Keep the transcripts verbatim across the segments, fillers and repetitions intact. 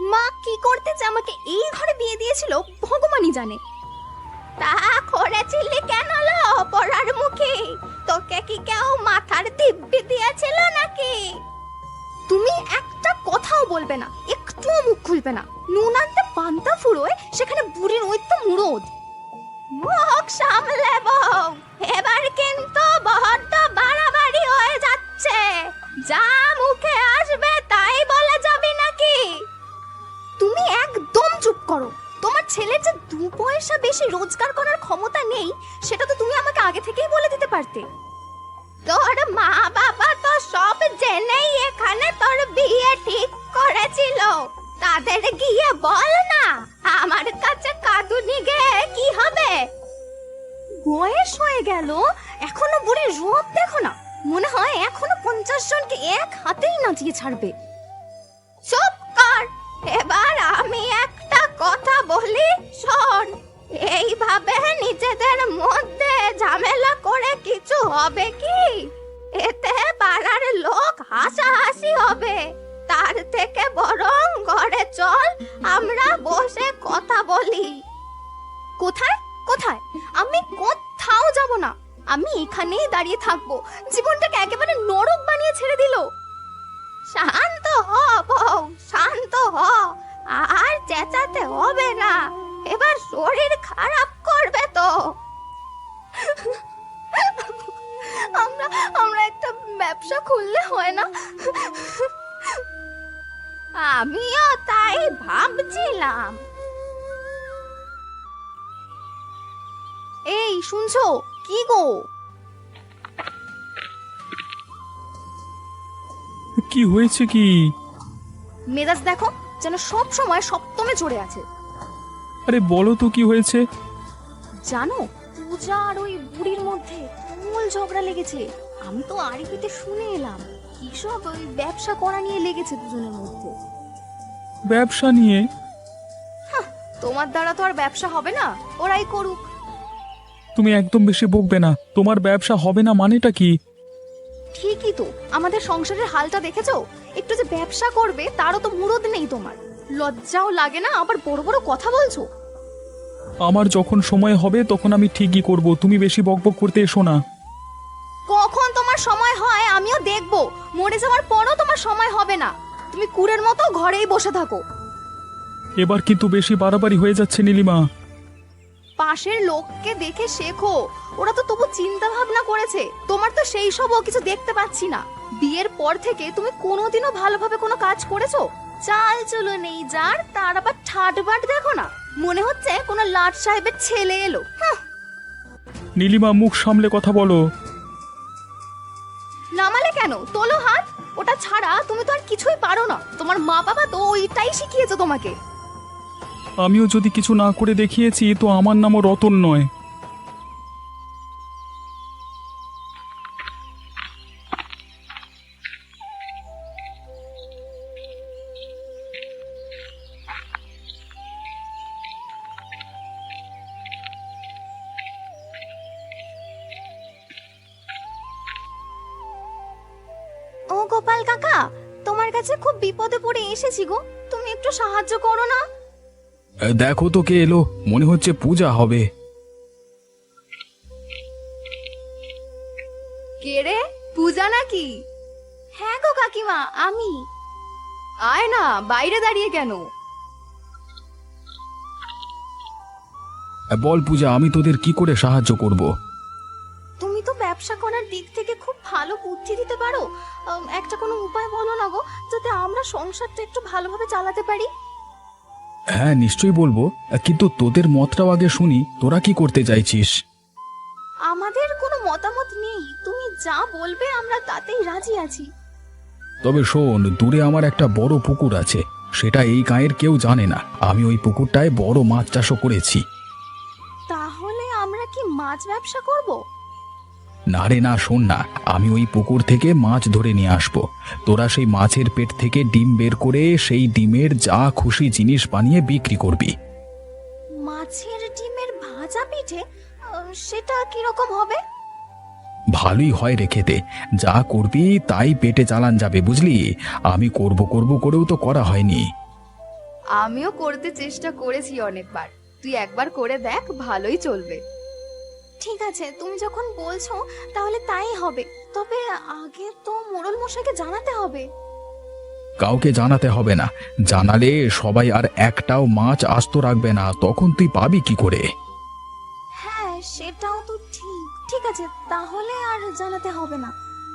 মা কি করতে যে আমাকে এই ঘরে বিয়ে দিয়েছিল ভগবানই জানে। তা করেছিলি কেন লো পড়ার মুখে? তোকে কি কেউ মাথার দিব্যি দিয়েছিল নাকি? তুমি একটা কথাও বলবে না, একটুও মুখ খুলবে না। নুন আনতে পান্তা ফুরোয়, সেখানে বুড়ির ওই তো মুরদ। মুখ সামলে বউ, এবার কিন্তু বড্ড বাড়াবাড়ি হয়ে যাচ্ছে। যা মুখে আসবে তাই বলে যাবি নাকি? তুমি একদম চুপ করো। তোমার ছেলের যে দু পয়সা বেশি রোজগার করার ক্ষমতা নেই, সেটা তো তুমি আমাকে আগে থেকেই বলে দিতে পারতে। তোর মা বাবা তো সব জেনেই এখানে তোর বিয়ে ঠিক করেছিল। তাদের গিয়ে বল না, আমার কাছে কাঁদুনি গে কি হবে? বয়স হয়ে গেল, এখনো বুড়ির রূপ দেখো না। মনে হয় এখনো পঞ্চাশ জনকে এক হাতেই নাচিয়ে ছাড়বে। চুপ কর। এবার আমি একটা কথা বলি, শোন। এইভাবে নিজেদের মধ্যে ঝামেলা করে কিছু হবে কি? এতে পাড়ার লোক হাসাহাসি হবে। তার থেকে বরং ঘরে চল, আমরা বসে কথা বলি। কোথায় কোথায়? আমি কোথাও যাব না। আমি এখানেই দাঁড়িয়ে থাকবো। জীবনটাকে একেবারে নরক বানিয়ে ছেড়ে দিল। শান্ত হ বউ, শান্ত হ। আর চেঁচাতে হবে না, এবার শরীর খারাপ করবে তো। আমরা আমরা একটা ব্যবসা খুললে হয় না? আমিও তাই ভাবছিলাম। এই শুনছো কি গো? কি হয়েছে কি? মেজাজ দেখো, যেন সব সময় সপ্তমে চড়ে আছে। আরে বলো তো কি হয়েছে? জানো, পূজা আর ওই বুড়ির মধ্যে তুমুল ঝগড়া লেগেছে। আমি তো আরিফিতে শুনে এলাম কি সব ওই ব্যবসা করা নিয়ে লেগেছে দুজনের মধ্যে। ব্যবসা নিয়ে? তোমার দ্বারা তো আর ব্যবসা হবে না, ওরাই করুক। তুমি একদম বেশি বকবে না। তোমার ব্যবসা হবে না মানেটা কি? ঠিকই তো, আমাদের সংসারের হালটা দেখেছো? একটু যে ব্যবসা করবে তারও তো মুরদ নেই তোমার। লজ্জাও লাগে না? আবার বড় বড় কথা বলছো। আমার যখন সময় হবে তখন আমি ঠিকই করব। তুমি বেশি বকবক করতে এসো না। কখন তোমার সময় হয় আমিও দেখবো। মরে যাওয়ার পরও তোমার সময় হবে না। তুমি কুড়ের মতো ঘরেই বসে থাকো। এবার কিন্তু বেশি বাড়াবাড়ি হয়ে যাচ্ছে নীলিমা। পাশের লোককে দেখে শেখো, ওরা তো তবু চিন্তা ভাবনা করেছে। তোমার তো সেই সবও কিছু দেখতে পাচ্ছি না। বিয়ের পর থেকে তুমি কোনোদিনও ভালোভাবে কোনো কাজ করেছো? চাল চলো নেই যার, তার আবার ঠাটবাট দেখো না। মনে হচ্ছে কোনো লাট সাহেবের ছেলে এলো। নীলিমা মুখ সামলে কথা বলো। নামালে কেন? তোলো হাত। ওটা ছাড়া তুমি তো আর কিছুই পারো না। তোমার মা বাবা তো ওইটাই শিখিয়েছে তোমাকে। আমিও যদি কিছু না করে দেখিয়েছি তো আমার নামও রতন নয়। ও গোপাল কাকা, তোমার কাছে খুব বিপদে পড়ে এসেছি গো। তুমি একটু সাহায্য করো না। দেখো তো কে এলো, মনে হচ্ছে পূজা হবে। কে রে? পূজা নাকি? হ্যাঁ গো কাকিমা, আমি। আয় না, বাইরে দাঁড়িয়ে কেন? বল পূজা, আমি তোদের কি করে সাহায্য করব? তুমি তো ব্যবসা করার দিক থেকে খুব ভালো বুদ্ধি দিতে পারো। আম, একটা কোনো উপায় বলো না গো, যাতে আমরা সংসারটা একটু ভালোভাবে চালাতে পারি। হ্যাঁ নিশ্চয়ই বলবো, কিন্তু তোদের মতটাও আগে শুনি। তোরা কি করতে চাইছিস? আমাদের কোনো মতামত নেই, তুমি যা বলবে আমরা তাতেই রাজি আছি। তবে শোন, দূরে আমার একটা বড় পুকুর আছে, সেটা এই গাঁয়ের কেউ জানে না। আমি ওই পুকুরটায় বড় মাছ চাষও করেছি। তাহলে আমরা কি মাছ ব্যবসা করব? না রে না, শোন না, আমি ওই পুকুর থেকে মাছ ধরে নিয়ে আসবো। তোরা সেই মাছের পেট থেকে ডিম বের করে সেই ডিমের যা খুশি জিনিস বানিয়ে বিক্রি করবি। মাছের ডিমের ভাজা পিঠে? আহ, সেটা কিরকম হবে? ভালোই হয় রে খেতে। যা করবি তাই পেটে চালান যাবে, বুঝলি? আমি করব করব করেও তো করা হয়নি। আমিও করতে চেষ্টা করেছি অনেকবার, তুই একবার করে দেখ, ভালোই চলবে। ঠিক আছে, তুমি যখন বলছো তাহলে তাই হবে। তবে আগে তো মোড়ল মশাইকে জানাতে হবে। কাউকে জানাতে হবে না, জানালে সবাই আর একটাও মাছ আস্ত রাখবে না, তখন তুই পাবি কি করে? হ্যাঁ, সেটাও তো ঠিক। ঠিক আছে, তাহলে আর জানাতে হবে না।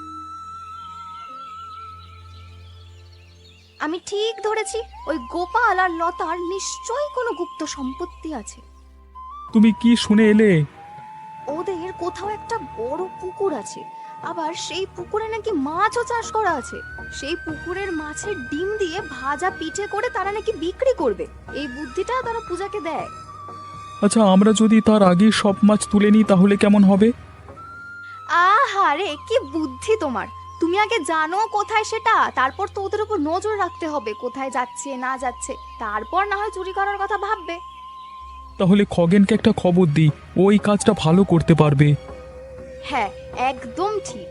আমি ঠিক ধরেছি, ওই গোপাল আর লতার নিশ্চয়ই কোনো গুপ্ত সম্পত্তি আছে। তুমি কি শুনে এলে? ওদের কোথাও একটা বড় পুকুর আছে, আবার সেই পুকুরে নাকি মাছও চাষ করা আছে। সেই পুকুরের মাছের ডিম দিয়ে ভাজা পিঠে করে তারা নাকি বিক্রি করবে। এই বুদ্ধিটা তারা পূজাকে দেয়। আচ্ছা, আমরা যদি তার আগে সব মাছ তুলে নিই তাহলে কেমন হবে? আহারে, কি বুদ্ধি তোমার! তুমি আগে জানো কোথায় সেটা, তারপর তো ওদের উপর নজর রাখতে হবে, কোথায় যাচ্ছে না যাচ্ছে, তারপর না হয় চুরি করার কথা ভাববে। তাহলে খগেনকে একটা খবর দিই, ওই কাজটা ভালো করতে পারবে। হ্যাঁ, একদম ঠিক।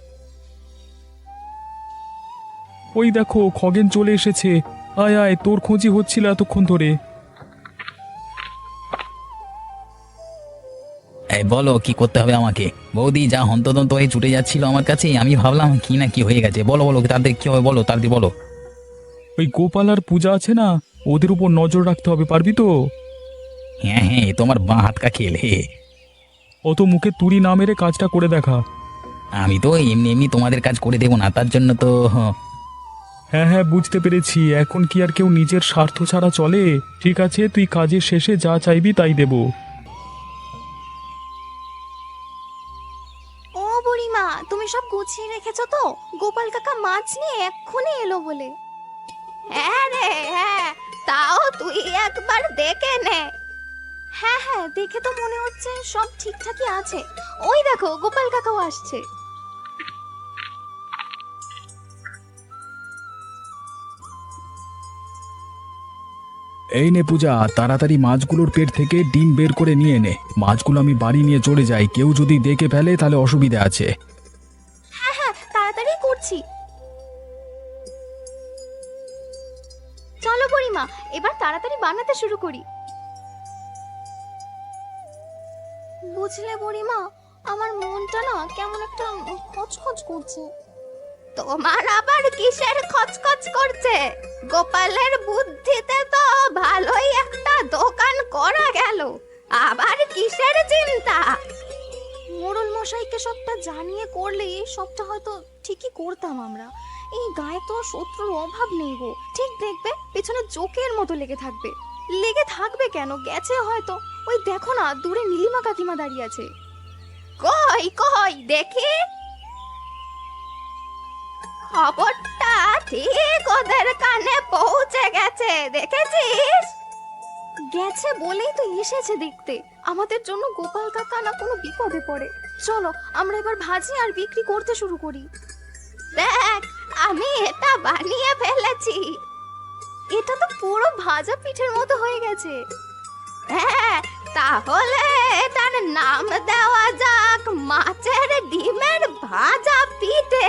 ওই দেখো, খগেন চলে এসেছে। আয় আয়, তোর খোঁজি হচ্ছিল এতক্ষণ ধরে। এই বলো কি করতে হবে আমাকে? বৌদি যা হন্তদন্ত হয়ে ছুটে যাচ্ছিল আমার কাছে, আমি ভাবলাম কি না কি হয়ে গেছে। বলো বলো তাদের কি হবে, বলো তাদের বলো। ওই গোপাল আর পূজা আছে না, ওদের উপর নজর রাখতে হবে, পারবি তো? হ্যাঁ হ্যাঁ, তোমার বাঁ হাত কা খেল হে। অত মুখে তুড়ি না মেরে কাজটা করে দেখা। আমি তো এমনি এমনি তোমাদের কাজ করে দেবো না, তার জন্য তো। হ্যাঁ হ্যাঁ, বুঝতে পেরেছি। এখন কি আর কেউ নিজের স্বার্থ ছাড়া চলে? ঠিক আছে, তুই কাজের শেষে যা চাইবি তাই দেব। ও বুড়িমা, তুমি সব গুছিয়ে রেখেছো তো? গোপাল কাকা মাছ নিয়ে এক্ষুনি এলো বলে। হ্যাঁ রে হ্যাঁ, তাও তুই একবার দেখে নে। হ্যাঁ হ্যাঁ, দেখে তো মনে হচ্ছে সব ঠিকঠাকই আছে। ওই দেখো, গোপাল কাকাও আসছে। এই নে পূজা, তাড়াতাড়ি মাছগুলোর পেট থেকে ডিম বের করে নিয়ে নে। মাছগুলো আমি বাড়ি নিয়ে চলে যাই, কেউ যদি দেখে ফেলে তাহলে অসুবিধা আছে। হ্যাঁ হ্যাঁ, তাড়াতাড়ি করছি। চলো বুড়িমা, এবার তাড়াতাড়ি বানাতে শুরু করি। বুঝলে বুড়িমা, আমার মনটা না কেমন একটা খচখচ করছে। তোমার আবার কিসের খচখচ করছে? গোপালের বুদ্ধিতে তো ভালোই একটা দোকান করা গেল, আবার কিসের চিন্তা? মোড়ল মশাইকে সবটা জানিয়ে করলে সবটা হয়তো ঠিকই করতাম আমরা। এই গায়ে তো শত্রুর অভাব নেই গো। ঠিক দেখবে, পেছনে জোকের মতো লেগে থাকবে। লেগে থাকবে কেন, গেছে হয়তো। ওই দেখো না, দূরে নীলিমা কাকিমা দাঁড়িয়ে আছে। কই কই দেখি। খবরটা ঠিক ওদের কানে পৌঁছে গেছে, দেখেছিস? গেছে বলেই তো এসেছে দেখতে। আমাদের জন্য গোপাল কাকা না কোনো বিপদে পড়ে। চলো আমরা এবার ভাজি আর বিক্রি করতে শুরু করি। দেখ, আমি এটা বানিয়ে ফেলেছি। এটা তো পুরো ভাজা পিঠের মতো হয়ে গেছে। হ্যাঁ, তাহলে এটার নাম দেওয়া যাক মাছের ডিমের ভাজা পিঠে।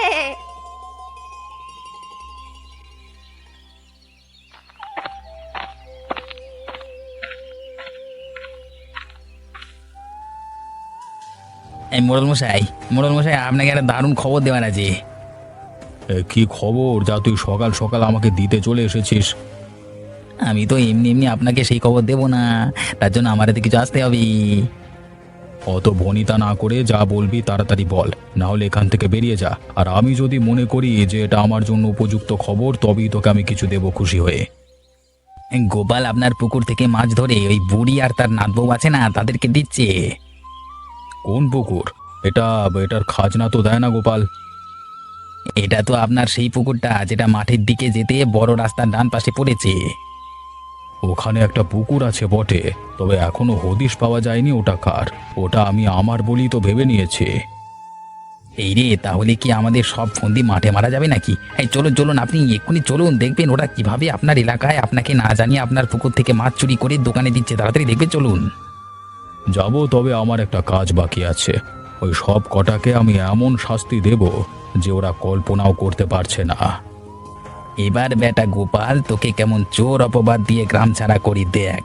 এই মোড়ল মশাই, মোড়ল মশাই আপনাকে একটা দারুণ খবর দেওয়ার আছে। কি খবর যা তুই সকাল সকাল আমাকে দিতে চলে এসেছিস? আমি তো এমনি এমনি আপনাকে সেই খবর দেবো না, তার জন্য আমার হাতে কিছু আসতে হবে। অত ভনিতা না করে যা বলবি তাড়াতাড়ি বল, না হলে এখান থেকে বেরিয়ে যা। আর আমি যদি মনে করি যে এটা আমার জন্য উপযুক্ত খবর, তবেই তোকে আমি কিছু দেব খুশি হয়ে। গোপাল আপনার পুকুর থেকে মাছ ধরে ওই বুড়ি আর তার নাতবউ আছে না, তাদেরকে দিচ্ছে। কোন পুকুর? এটা এটার খাজনা তো দেয় না গোপাল। এটা তো আপনার সেই পুকুরটা যেটা মাঠের দিকে যেতে বড় রাস্তার ডান পাশে পড়েছে। ওখানে একটা পুকুর আছে বটে, তবে এখনো হদিশ পাওয়া যায়নি ওটা কার। ওটা আমি আমার বলি তো ভেবে নিয়েছি। এই রে, তাহলে কি আমাদের সব ফন্দি মাঠে মারা যাবে নাকি? এই চলুন চলুন, আপনি এক্ষুনি চলুন, দেখবেন ওরা কিভাবে আপনার এলাকায় আপনাকে না জানিয়ে আপনার পুকুর থেকে মাছ চুরি করে দোকানে দিচ্ছে। তাড়াতাড়ি দেখবেন, চলুন। যাব, তবে আমার একটা কাজ বাকি আছে। ওই সব কটাকে আমি এমন শাস্তি দেব যে ওরা কল্পনাও করতে পারছে না। এবার বেটা গোপাল তোকে কেমন চোর অপবাদ দিয়ে গ্রাম ছাড়া করি দেখ।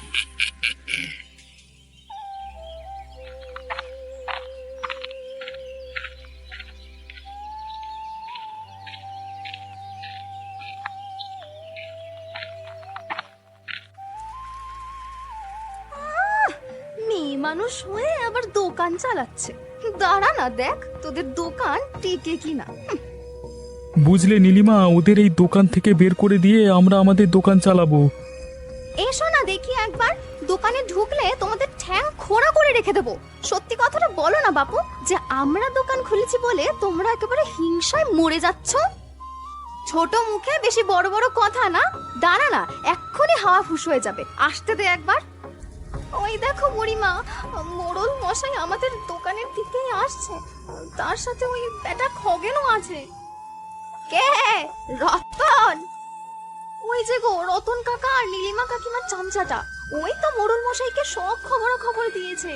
মেয়ে মানুষ হয়ে আবার দোকান চালাচ্ছে। দাঁড়া না, দেখ তোদের দোকান টিকে কিনা। বুঝলে নীলিমা, ওদের এই দোকান থেকে বের করে দিয়ে আমরা আমাদের দোকান চালাবো। এসো না দেখি একবার, দোকানে ঢুকলে তোমাদের ঠ্যাং খোঁড়া করে রেখে দেবো। সত্যি কথাটা বলো না বাপু, যে আমরা দোকান খুলেছি বলে তোমরা একেবারে হিংসায় মরে যাচ্ছ। ছোট মুখে বেশি বড় বড় কথা না। দাঁড়া না, এক্ষুনি হাওয়া ফুস হয়ে যাবে। আসতে দে একবার। ওই দেখো বুড়িমা, মোড়ল মশাই আমাদের দোকানের দিকেই আসছে, তার সাথে ওই বেটা খগেনও আছে। কে? রতন? ওই যে গো রতন কাকা আর নীলিমা কাকিমার চামচাটা, ওই তো মোড়ল মশাইকে সব খবর খবর দিয়েছে।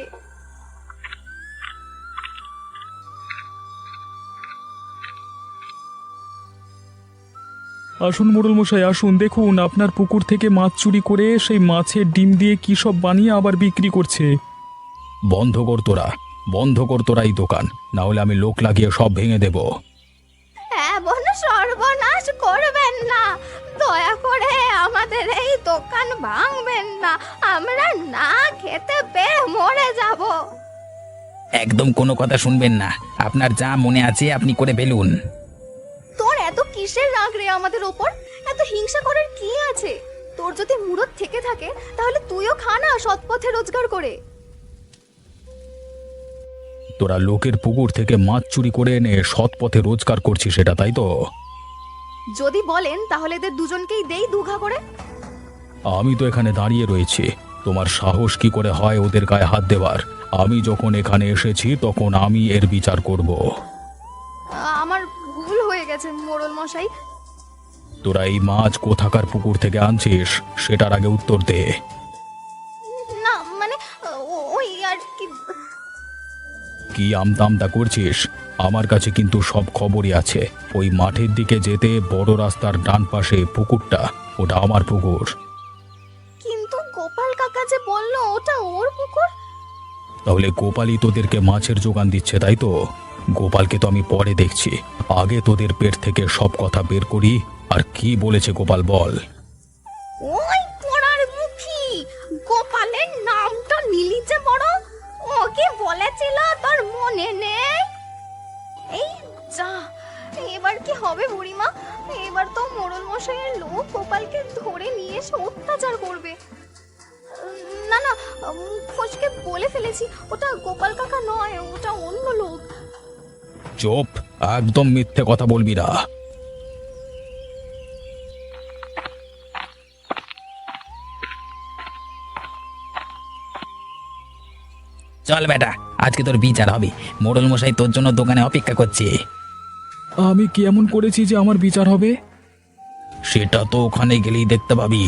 আসুন মোড়ল মশাই আসুন, দেখুন আপনার পুকুর থেকে মাছ চুরি করে সেই মাছের ডিম দিয়ে কি সব বানিয়ে আবার বিক্রি করছে। বন্ধ কর তোরা, বন্ধ কর তোরা এই দোকান, না হলে আমি লোক লাগিয়ে সব ভেঙে দেব। এমন সর্বনাশ করবেন না, দয়া করে আমাদের এই দোকান ভাঙবেন না, আমরা না খেতে পেয়ে মরে যাব। একদম কোনো কথা শুনবেন না, আপনার যা মনে আছে আপনি করে ফেলুন। তোর এত কিসের রাগ রে আমাদের ওপর? এত হিংসা করার কি আছে? তোর যদি মুরত থেকে থাকে তাহলে তুইও খা না সৎ পথে রোজগার করে। তোরা লোকের পুকুর থেকে মাছ চুরি করে এনে সৎ পথে রোজগার করছিস, সেটা তাই তো? যদি বলেন তাহলে এদের দুজনকেই দেই দুঘা করে। আমি তো এখানে দাঁড়িয়ে রয়েছি, তোমার সাহস কি করে হয় ওদের গায়ে হাত দেওয়ার? আমি যখন এখানে এসেছি তখন আমি এর বিচার করব। আমার ভুল হয়ে গেছে মোড়ল মশাই। তোরা এই মাছ কোথাকার পুকুর থেকে আনছিস সেটার আগে উত্তর দে। না মানে ও- ওই আর কি। কি আমতামতা করছিস? আমার কাছে কিন্তু সব খবরই আছে। ওই মাঠের দিকে যেতে বড় রাস্তার ডান পাশে পুকুরটা, ওটা আমার পুকুর। কিন্তু গোপাল কাকা যে বললো ওটা ওর পুকুর। তাহলে গোপালই তোদেরকে মাছের জোগান দিচ্ছে, তাই তো? গোপালকে তো আমি পরে দেখছি, আগে তোদের পেট থেকে সব কথা বের করি। আর কি বলেছে গোপাল বল? ওই পোড়ার মুখী গোপালের নামটা নিলি যে বড়, ওকে বলেছিল তোর মনে নেই? এই যা, এবার কি হবে বুড়িমা? এবার তো মোড়ল মশাইয়ের লোক গোপালকে ধরে নিয়ে এসে অত্যাচার করবে। না না, মুখ ফসকে বলে ফেলেছি, ওটা গোপাল কাকা নয়, ওটা অন্য লোক। চুপ, একদম মিথ্যে কথা বলবি না। চল বেটা, আজকে তোর বিচার হবে। মোড়ল মশাই তোর জন্য দোকানে অপেক্ষা করছে। আমি কি এমন করেছি যে আমার বিচার হবে? সেটা তো ওখানে গেলেই দেখতে পাবি।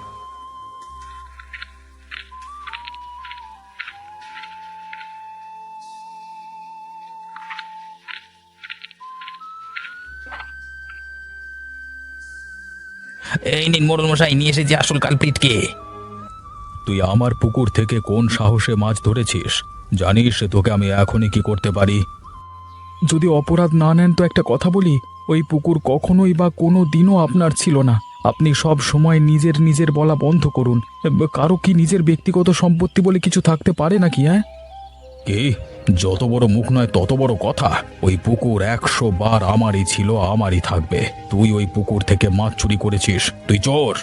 এই নিন মোড়ল মশাই, নিয়ে এসেছি আসল কালপ্রিটকে। তুই আমার পুকুর থেকে কোন সাহসে মাছ ধরেছিস? জানিস তোকে আমি এখনই কি করতে পারি? যদি অপরাধ না নেন তো একটা কথা বলি, ওই পুকুর কখনোই বা কোনো দিনও আপনার ছিল না। আপনি সব সময় নিজের নিজের বলা বন্ধ করুন। কারো কি নিজের ব্যক্তিগত সম্পত্তি বলে কিছু থাকতে পারে নাকি? হ্যাঁ, কি যত বড় মুখ নয় তত বড় কথা। ওই পুকুর একশো বার আমারই ছিল, আমারই থাকবে। তুই ওই পুকুর থেকে মাছ চুরি করেছিস, তুই চোর।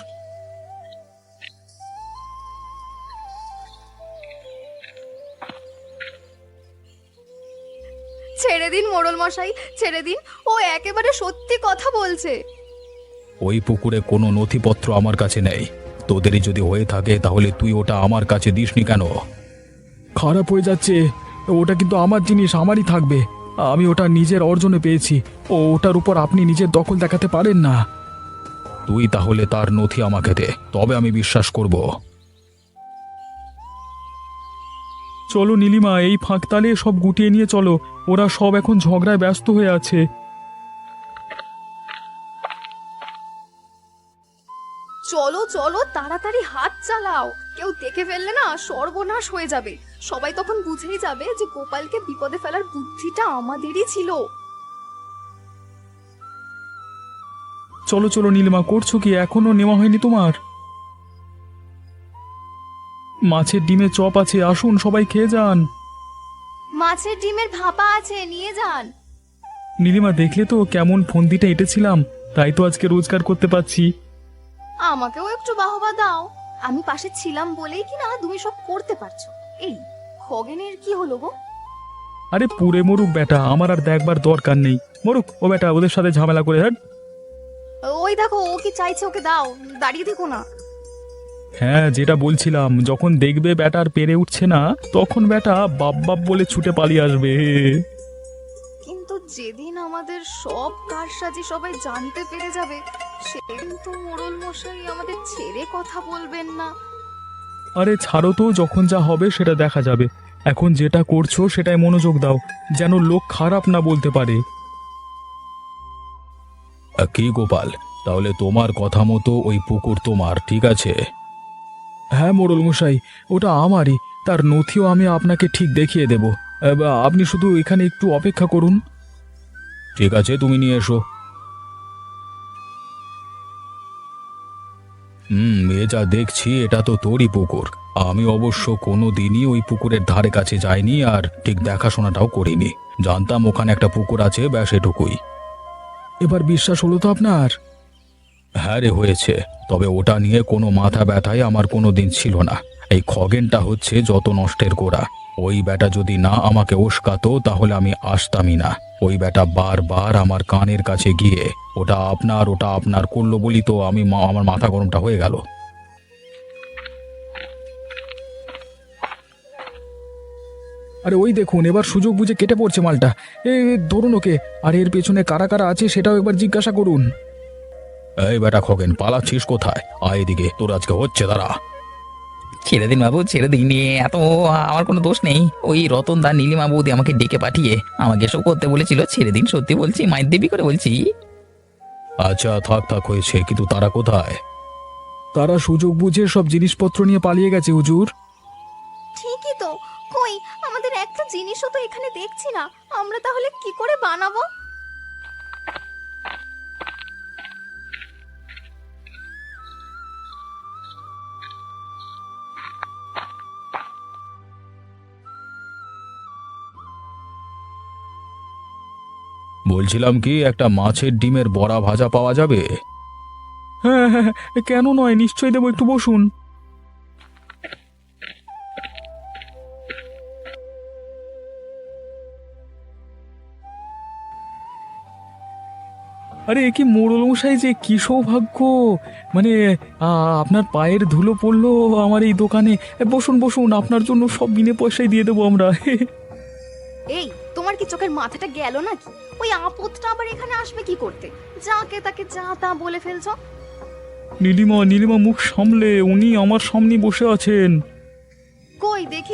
ছেড়ে দিন মোড়ল মশাই, ছেড়ে দিন, ও একেবারে সত্যি কথা বলছে। ওই পুকুরে কোনো নথিপত্র আমার কাছে নেই। তোদেরই যদি হয়ে থাকে তাহলে তুই ওটা আমার কাছে দিসনি কেন? খারাপ হয়ে যাচ্ছে, ওটা কিন্তু আমার জিনিস, আমারই থাকবে। আমি ওটা নিজের অর্জনে পেয়েছি, ও ওটার উপর আপনি নিজের দখল দেখাতে পারেন না। তুই তাহলে তার নথি আমাকে দে, তবে আমি বিশ্বাস করব। চলো নীলিমা, এই ফাঁকতালে সব গুটিয়ে নিয়ে চলো, ওরা সব এখন ঝগড়ায় ব্যস্ত হয়ে আছে। চলো চলো তাড়াতাড়ি হাত চালাও, কেউ দেখে ফেললে না সর্বনাশ হয়ে যাবে। সবাই তখন বুঝেই যাবে যে গোপালকে বিপদে ফেলার বুদ্ধিটা আমাদেরই ছিল। চলো চলো নীলিমা, করছো কি? এখনো নেওয়া হয়নি তোমার? মাছের ডিমে চপ আছে, আসুন সবাই খেয়ে যান। মাছের ডিমের ভাপা আছে, নিয়ে যান। নীলিমা, দেখলে তো কেমন ফন্দিটা এঁটেছিলাম, তাই তো আজকে রোজগার করতে পারছি। আমাকেও একটু বাহবা দাও, আমি পাশে ছিলাম বলেই কি না তুমি সব করতে পারছো। এই খগেনের কি হলো গো? আরে পুরে মরুক বেটা, আমার আর দেখবার দরকার নেই। মরুক ও বেটা, ওদের সাথে ঝামেলা করে। হ্যাঁ ওই দেখো ও কি চাইছে, ওকে দাও, দাঁড়িয়ে দেখো না। হ্যাঁ, যেটা বলছিলাম, যখন দেখবে ব্যাটার পেরে উঠছে না, তখন ব্যাটা বাপ বাপ বলে ছুটে পালিয়ে আসবে। কিন্তু যেদিন আমাদের সব কারসাজি সবাই জানতে পেরে যাবে, সেদিন তো মোড়ল মশাই আমাদের ছেড়ে কথা বলবেন না। আরে ছাড়ো তো, যখন যা হবে সেটা দেখা যাবে। এখন যেটা করছো সেটাই মনোযোগ দাও, যেন লোক খারাপ না বলতে পারে। কি গোপাল, তাহলে তোমার কথা মতো ওই পুকুর তোমার, ঠিক আছে? হ্যাঁ মোড়ল মশাই, ওটা আমারই। তার নথিও আমি আপনাকে ঠিক দেখিয়ে দেব। এবার আপনি শুধু এখানে একটু অপেক্ষা করুন। ঠিক আছে, তুমি নিয়ে এসো। হুম, এ যা দেখছি এটা তো তোরই পুকুর। আমি অবশ্য কোনো দিনই ওই পুকুরের ধারে কাছে যাইনি, আর ঠিক দেখাশোনাটাও করিনি। জানতাম ওখানে একটা পুকুর আছে, ব্যাস এটুকুই। এবার বিশ্বাস হলো তো আপনার? হ্যাঁ রে, হয়েছে। তবে ওটা নিয়ে কোনো মাথা ব্যথাই আমার কোনো দিন ছিল না। এই খগেনটা হচ্ছে যত নষ্টের গোড়া। ওই বেটা যদি না আমাকে উস্কাতো তাহলে আমি আসতামই না। ওই বেটা বারবার আমার কানের কাছে গিয়ে ওটা আপনার ওটা আপনার করলো বলি তো আমি মা- আমার মাথা গরমটা হয়ে গেল। আরে ওই দেখুন, এবার সুযোগ বুঝে কেটে পড়ছে মালটা। এ ধরুন ওকে, আর এর পেছনে কারা কারা আছে সেটাও একবার জিজ্ঞাসা করুন। এই বেটা খগেন, পালাচ্ছিস কোথায়? আয় এদিকে, তোর আজকে হচ্ছে, দাঁড়া। ছেড়ে দিন বাবু, ছেড়ে দিন। এ এত আমার কোনো দোষ নেই। ওই রতন দা নীলিমা বৌদি আমাকে ডেকে পাঠিয়ে আমাকে এসব করতে বলেছিল। ছেড়ে দিন, সত্যি বলছি, মায়ের দেবী করে বলছি। আচ্ছা থাক থাক, হয়েছে, কিন্তু তারা কোথায়? তারা সুযোগ বুঝে সব জিনিসপত্র নিয়ে পালিয়ে গেছে হুজুর। ঠিকই তো, কই আমাদের একটা জিনিসও তো এখানে দেখছি না, আমরা তাহলে কি করে বানাবো? বলছিলাম কি, একটা মাছের ডিমের বড়া ভাজা পাওয়া যাবে? হ্যাঁ হ্যাঁ হ্যাঁ, কেন নয়, নিশ্চয়ই দেবো, একটু বসুন। আরে এ কি মোড়ল মশাই, যে কি সৌভাগ্য! মানে আ, আপনার পায়ের ধুলো পড়লো আমার এই দোকানে। এ, বসুন বসুন, আপনার জন্য সব বিনে পয়সায় দিয়ে দেবো আমরা। এই তোমার কি চোখের মাথাটা গেল নাকি? ওই আপদটা আবার এখানে আসবে কি করতে? যাকে তাকে যা তা বলে ফেলছো। নীলিমা, নীলিমা মুখ সামলে, উনি আমার সামনে বসে আছেন। কই দেখি।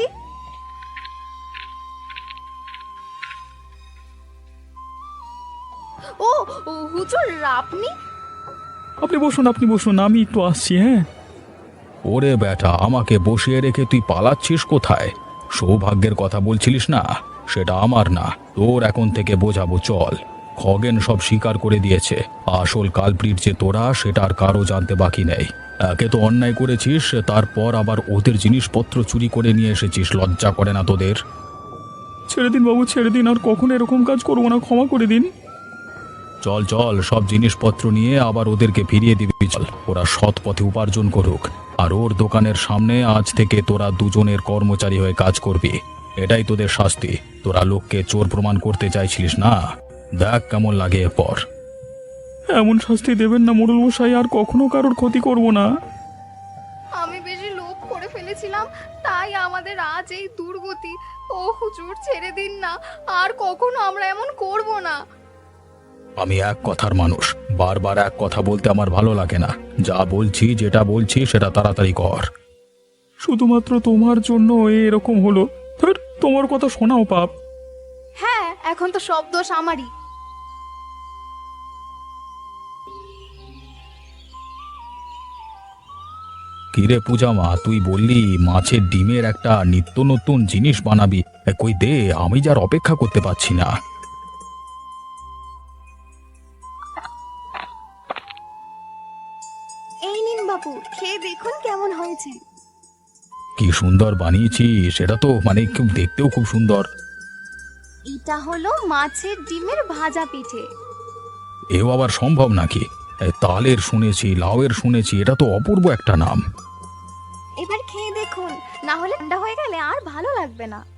ও ও, হুজুর আপনি? আপনি বসুন, আপনি বসুন, আমি একটু আসছি। হ্যাঁ। ওরে বেটা, আমাকে বসিয়ে রেখে তুই পালাচ্ছিস কোথায়? সৌভাগ্যের কথা বলছিলিস না? সেটা আমার না, তোর এখন থেকে বোঝাবো, চল। খগেন সব স্বীকার করে দিয়েছে। আসল কালপ্রিট যে তোরা, সেটা আর কারো জানতে বাকি নেই। একে তো অন্যায় করেছিস, তারপর আবার ওদের জিনিসপত্র চুরি করে নিয়ে এসেছিস। লজ্জা করে না তোদের? ছেড়ে দিন বাবু, ছেড়ে দিন, আর কখনো এরকম কাজ করবো না, ক্ষমা করে দিন। চল চল, সব জিনিসপত্র নিয়ে আবার ওদেরকে ফিরিয়ে দিবি। চল, ওরা সৎ পথে উপার্জন করুক, আর ওর দোকানের সামনে আজ থেকে তোরা দুজনের কর্মচারী হয়ে কাজ করবি। এটাই তোদের শাস্তি। তোরা লোককে চোর প্রমাণ করতে চাইছিলিস না, দেখ কেমন লাগে এরপর। এমন শাস্তি দেবেন না মোড়ল মশাই, আর কখনো কারোর ক্ষতি করব না। আমি বেশি লোভ করে ফেলেছিলাম, তাই আমাদের আজ এই দুর্গতি। ও হুজুর ছেড়ে দিন না, আর কখনো আমরা এমন করব না। আমি এক কথার মানুষ, বারবার এক কথা বলতে আমার ভালো লাগে না। যা বলছি, যেটা বলছি সেটা তাড়াতাড়ি কর। শুধুমাত্র তোমার জন্য এরকম হলো। ধুর, তোমার কথা শোনাও পাপ। হ্যাঁ, এখন তো সব দোষ আমারই। কিরে পূজা মা, তুই বললি মাছের ডিমের একটা নিত্য নতুন জিনিস বানাবি। এ, কই দে, আমি যার অপেক্ষা করতে পারছি না। এই নিন বাবু, খেয়ে দেখুন কেমন হয়েছে। কি সুন্দর বানিয়েছি, সেটা তো মানে খুব দেখতেও খুব সুন্দর। এটা হলো মাছের ডিমের ভাজা পিঠে। এও আবার সম্ভব নাকি? এ, তালের শুনেছি, লাউয়ের শুনেছি, এটা তো অপূর্ব একটা নাম। এবার খেয়ে দেখুন, না হলে ঠান্ডা হয়ে গেলে আর ভালো লাগবে না।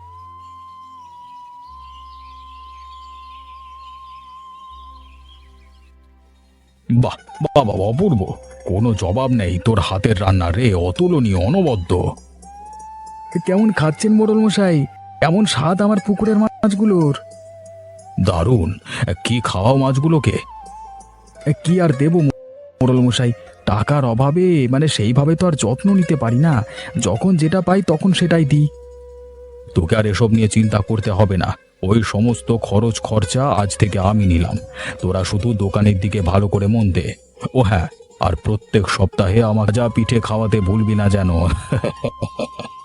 বাহ বাহ বাহ, অপূর্ব, কোনো জবাব নেই তোর হাতের রান্না রে, অতুলনীয়, অনবদ্য। কেমন খাচ্ছেন মোড়ল মশাই? এমন স্বাদ আমার পুকুরের মাছগুলোর। দারুণ। কি খাওয়াও মাছগুলোকে? কি আর দেব মোড়ল মশাই, টাকার অভাবে মানে সেইভাবে তো আর যত্ন নিতে পারি না। যখন যেটা পাই তখন সেটাই দিই। তোকে আর এসব নিয়ে চিন্তা করতে হবে না, ওই সমস্ত খরচ খরচা আজ থেকে আমি নিলাম। তোরা শুধু দোকানের দিকে ভালো করে মন দে। ও হ্যাঁ, আর প্রত্যেক সপ্তাহে আমার যা পিঠে খাওয়াতে ভুলবি না যেন।